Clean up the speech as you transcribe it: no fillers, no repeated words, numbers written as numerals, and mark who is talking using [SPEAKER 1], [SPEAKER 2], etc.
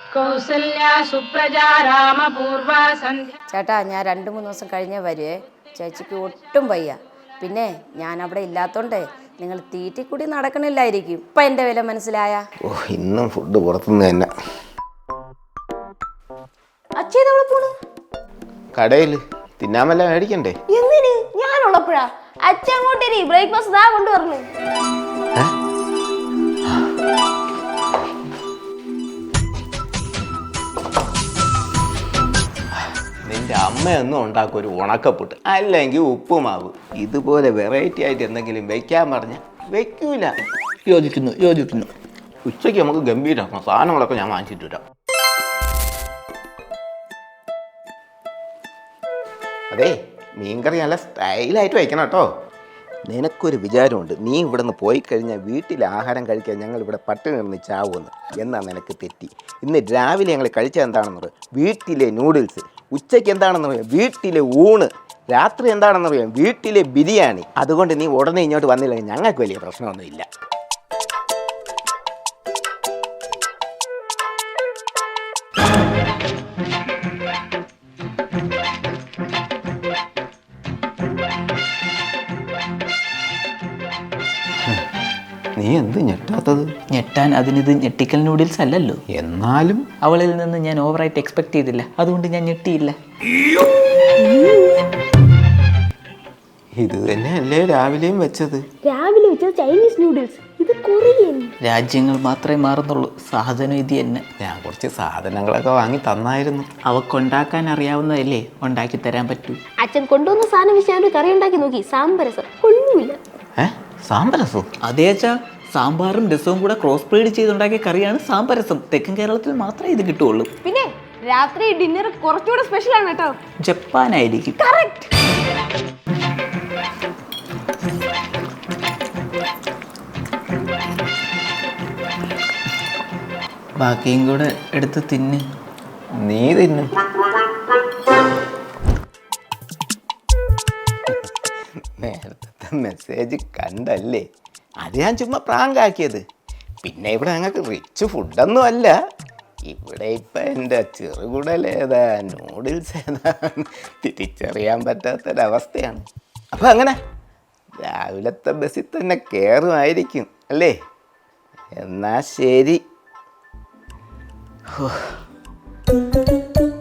[SPEAKER 1] കൗസല്യാ സുപ്രജാ രാമപൂർവ സന്ധ്യ.
[SPEAKER 2] ചേട്ടാ, ഞാൻ 2-3 ദിവസം കഴിഞ്ഞേ വരുവേ. ചേച്ചിക്ക് ഒട്ടും വയ്യ. പിന്നെ ഞാൻ അവിടെ ഇല്ലാത്തോണ്ടേ നിങ്ങൾ തീറ്റിക്കൂടി നടക്കണില്ലായിരിക്കും. ഇപ്പം എൻ്റെ വില മനസ്സിലായ?
[SPEAKER 3] ഓ, ഇന്നും ഫുഡ് പുറത്തുനിന്ന് തന്നെ.
[SPEAKER 4] അച്ഛനവിടെ പോണു?
[SPEAKER 3] കടയിൽ തിന്നാൻ വല്ല മേടിക്കണ്ടേ?
[SPEAKER 4] എന്തിന്? ഞാനുള്ളപ്പോഴാ? അച്ഛൻ അങ്ങോട്ടേരി ബ്രേക്ക്ഫാസ്റ്റ് ദാ കൊണ്ടുവരണു.
[SPEAKER 3] നിന്റെ അമ്മയൊന്നും ഉണ്ടാക്കും ഒരു ഉണക്കപ്പുട്ട്, അല്ലെങ്കിൽ ഉപ്പുമാവ്. ഇതുപോലെ വെറൈറ്റി ആയിട്ട് എന്തെങ്കിലും വെക്കാൻ പറഞ്ഞ വെക്കൂല.
[SPEAKER 5] യോജിക്കുന്നു.
[SPEAKER 3] ഉച്ചയ്ക്ക് നമുക്ക് ഗംഭീരമാക്കണം. സാധനങ്ങളൊക്കെ ഞാൻ വാങ്ങിച്ചിട്ട് വരാം. അതെ, മീൻകറി നല്ല സ്റ്റൈലായിട്ട് വയ്ക്കണം കേട്ടോ. നിനക്കൊരു വിചാരമുണ്ട്, നീ ഇവിടെ നിന്ന് പോയി കഴിഞ്ഞാൽ വീട്ടിൽ ആഹാരം കഴിക്കാൻ ഞങ്ങൾ ഇവിടെ പട്ടിണി കിടന്ന് ചാവുമെന്ന്. എന്നാൽ നിനക്ക് തെറ്റി. ഇന്ന് രാവിലെ ഞങ്ങൾ കഴിച്ചത് എന്താണെന്ന് പറയാം, വീട്ടിലെ നൂഡിൽസ്. ഉച്ചയ്ക്ക് എന്താണെന്ന് പറയാം, വീട്ടിലെ ഊണ്. രാത്രി എന്താണെന്ന് പറയാം, വീട്ടിലെ ബിരിയാണി. അതുകൊണ്ട് നീ ഉടനെ ഇങ്ങോട്ട് വന്നില്ലെങ്കിൽ ഞങ്ങൾക്ക് വലിയ പ്രശ്നമൊന്നുമില്ല. നീ എന്ത് ഞെട്ടാത്തത്?
[SPEAKER 5] ഞെട്ടാൻ അതിനിത് ഞെട്ടിക്കൽ നൂഡിൽസ് അല്ലല്ലോ.
[SPEAKER 3] എന്നാലും
[SPEAKER 5] അവളിൽ നിന്ന് ഞാൻ ഓവറായിട്ട് എക്സ്പെക്ട് ചെയ്തില്ല, അതുകൊണ്ട് ഞാൻ ഞെട്ടിയില്ല.
[SPEAKER 3] ഇത് തന്നെയല്ലേ രാവിലെയും വെച്ചത്?
[SPEAKER 4] രാവിലെ വെച്ചത് ചൈനീസ് നൂഡിൽസ്, ഇത് കൊറിയൻ.
[SPEAKER 5] രാജ്യങ്ങൾ മാത്രമേ മാറുന്നുള്ളൂ, സാധനം ഇത് തന്നെ.
[SPEAKER 3] ഞാൻ കുറച്ച് സാധനങ്ങളൊക്കെ വാങ്ങി തന്നായിരുന്നു.
[SPEAKER 5] അവക്കുണ്ടാക്കാൻ അറിയാവുന്നതല്ലേ ഉണ്ടാക്കി തരാൻ പറ്റൂ.
[SPEAKER 4] അച്ഛൻ കൊണ്ടുവന്ന സാധനം വെച്ച് ഞാൻ ഒരു കറി ഉണ്ടാക്കി നോക്കി, സാമ്പരസം കൊള്ളില്ല.
[SPEAKER 3] സാമ്പരസോ?
[SPEAKER 5] അതേ അച്ഛാ, സാമ്പാറും രസവും കൂടെ ക്രോസ് ബ്രീഡ് ചെയ്തുണ്ടാക്കിയ കറിയാണ് സാമ്പരസം. തെക്കൻ കേരളത്തിൽ മാത്രമേ ഇത് കിട്ടുള്ളൂ.
[SPEAKER 4] പിന്നെ രാത്രി ഡിന്നർ കുറച്ചുകൂടെ സ്പെഷ്യൽ ആണ് കേട്ടോ.
[SPEAKER 5] ജപ്പാനായിരിക്കും.
[SPEAKER 4] കറക്റ്റ്.
[SPEAKER 5] ബാക്കിയും കൂടെ എടുത്ത് തിന്ന്.
[SPEAKER 3] നീ തിന്നു. നേരത്തെ മെസ്സേജ് കണ്ടല്ലേ? അത് ഞാൻ ചുമ്മാ പ്രാങ്കാക്കിയത്. പിന്നെ ഇവിടെ ഞങ്ങൾക്ക് റിച്ച് ഫുഡൊന്നും അല്ല. ഇവിടെ ഇപ്പം എൻ്റെ ചെറുകുടലേതാ നൂഡിൽസ് ഏതാ തിരിച്ചറിയാൻ പറ്റാത്തൊരവസ്ഥയാണ്. അപ്പം അങ്ങനെ രാവിലത്തെ ബസ്സിൽ തന്നെ കയറുമായിരിക്കും അല്ലേ? എന്നാ ശരി.